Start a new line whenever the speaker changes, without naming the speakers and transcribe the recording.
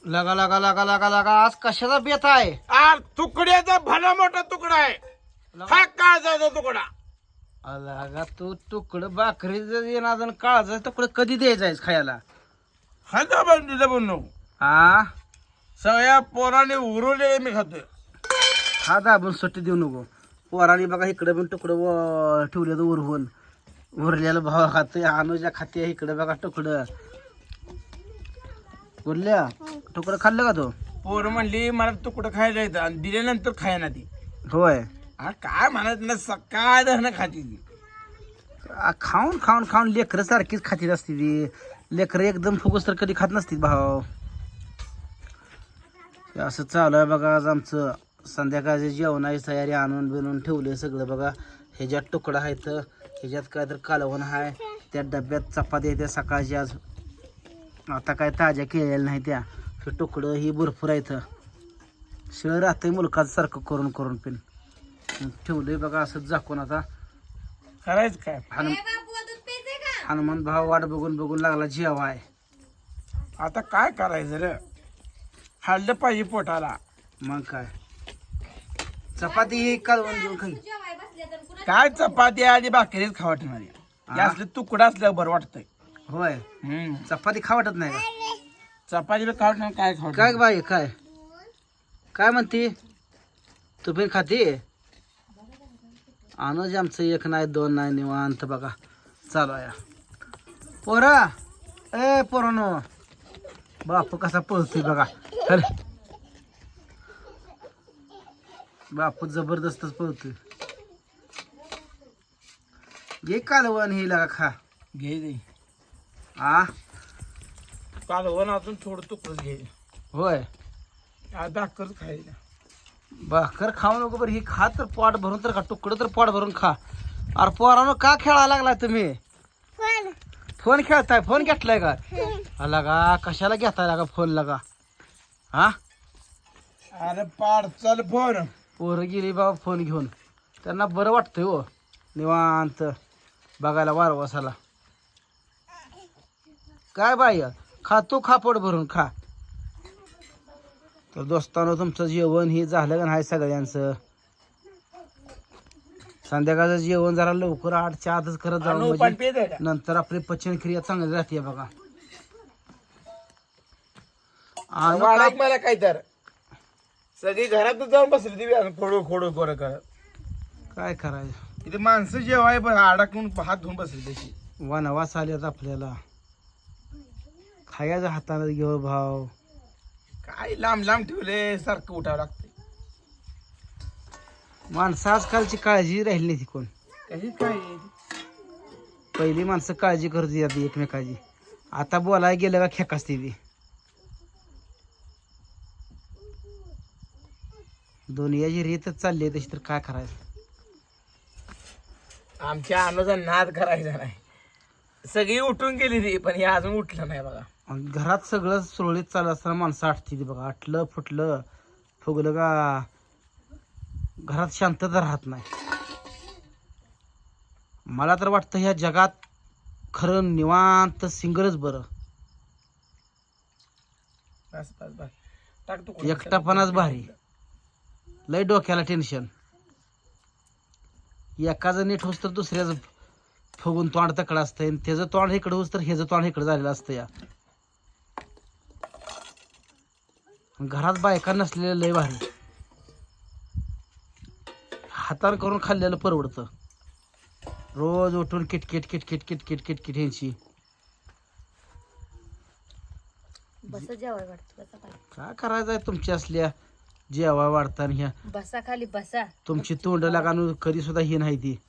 लगा लगा लगा लगा लगा आज कशाचा बेत आहे?
तुकड्याचा भला मोठा तुकडा आहे. हा काळजाचा तुकडा.
लगा तू तुकडं भाकरी येणार काळाचा तुकडं कधी द्यायचा खायला?
हा दाबून नको.
हा
सगळ्या पोराने उरवलेले मी खातोय.
हा दाबून सुट्टी देऊ नको. पोराने बघा इकडे पण तुकडं ठेवलं उरवून. उरलेलं भावा खातोय, अनुजा खाते इकडे बघा तुकडं. बोलल्या तुकडं खाल्लं का तो?
पोर म्हणली मला तुकडं खायला येतं आणि दिल्यानंतर खायना ती.
होय.
काय म्हणत ना सकाळ धरणं खाती ती.
खाऊन खाऊन खाऊन लेकरं सारखीच खातीत असते ती. लेकरं एकदम फुगस तर कधी खात नसतील भाव. असं चालू आहे बघा आज आमचं. संध्याकाळचे जेवणाची तयारी आणून बिनून ठेवले सगळं बघा. ह्याच्यात तुकडा आहे तर ह्याच्यात काय तर कालवण आहे. त्या डब्यात चपाती आहे त्या सकाळची आज. आता काय ताज्या केलेल्या नाही त्या. हे तुकडं ही भरपूर आहे इथं. शिळ राहतंय मुलकाचं सारखं करून करून पिन ठेवलंय बघा असंच झाकून. आता
करायचं काय.
हनुमान भाव वाट बघून बघून लागला जेवाय.
आता काय करायचं रे. खाल्लं पाहिजे पोटाला.
मग काय चपाती ही कालवण देऊन खाई.
काय चपाती आणि भाकरीच खा वाटणारी. असलं तुकडा असलं बरं वाटतंय.
होय. चपाती खा वाटत नाही का?
चपातीला खा वाटणार काय खा
काय बाई काय काय म्हणते तू पण खाते? अनुज आमचं एक नाही दोन नाही निवांत बघा चालू आहे. पोरा ए पोरानो बापू कसा पळतोय बघा. अरे बापू जबरदस्तच पळतोय. घे कालवण हे लगा खा.
घे दे.
आ
कालवण अजून थोडं तुकडं घे.
होय.
भाकर खायला.
भाकर खाऊ नको बरं ही खा तर पोट भरून तर खा. तुकडं तर पोट भरून खा. अरे पोरानो का खेळायला लागलाय तुम्ही? फोन खेळताय? फोन घेतलाय का? लगा कशाला घेताय लागा फोन लगा? हा
अरे पाड चल फोन.
पोरं गेली बाबा फोन घेऊन. त्यांना बरं वाटतंय हो निवांत बघायला वारवासाला. काय बाई खा तू खा पोट भरून खा. तर दोस्तानो तुमचं जेवण हे झालं का नाही सगळ्यांचं? संध्याकाळचं जेवण जरा लवकर 8च्या आतच करत जाऊ म्हणजे नंतर आपली पचनक्रिया चांगली राहते बघा.
मला काय तर सगळी घरातच जाऊन बसली ती खोडू खोडू गोर करत.
काय करायचं
इथे माणसं जेवाय पण अडकून हात धुवून बसली तशी.
वनवास आलेत आपल्याला. खायचं हाताने घेऊ भाव.
काय लांब लांब ठेवले सारखं उठावं लागतं.
माणसं आजकालची काळजी राहिली नाही ती कोण.
कशी काय
पहिली माणसं काळजी करत येते एकमेकाची. आता बोलायला गेलं का खेक असते ती. दुनियाची रीतच चालली आहे तशी तर काय करायचं.
आमच्या अनुजा नाद करायचा नाही. सगळी उठून गेली ती पण हे अजून उठलं नाही बघा.
आणि घरात सगळं सुरळीत चालू असताना माणसं आटती ती बघा. आटलं फुटलं फुगलं का घरात शांतता राहत नाही. मला तर वाटतं ह्या जगात खरं निवांत सिंगलच बरं.
बस बस बस टाक तू.
एकटापणाच भारी. लय डोक्याला टेन्शन. एकाचं नीट होस तर दुसऱ्याचं फुगून तोंड तकडं असतंय. त्याचं तोंड इकडं होस तर ह्याचं तोंड इकडं झालेलं असतं. या घरात बायका नसलेलं लय भारी. हातान करून खाल्लेलं परवडतं. रोज उठून किटकिट किटकिट किटकिट किटकिट ह्यांची. काय करायचंय तुमची असल्या जेवाय वाढताना ह्या
बसा खाली बसा.
तुमची तोंड लागानू कधी सुद्धा ही नाही ती.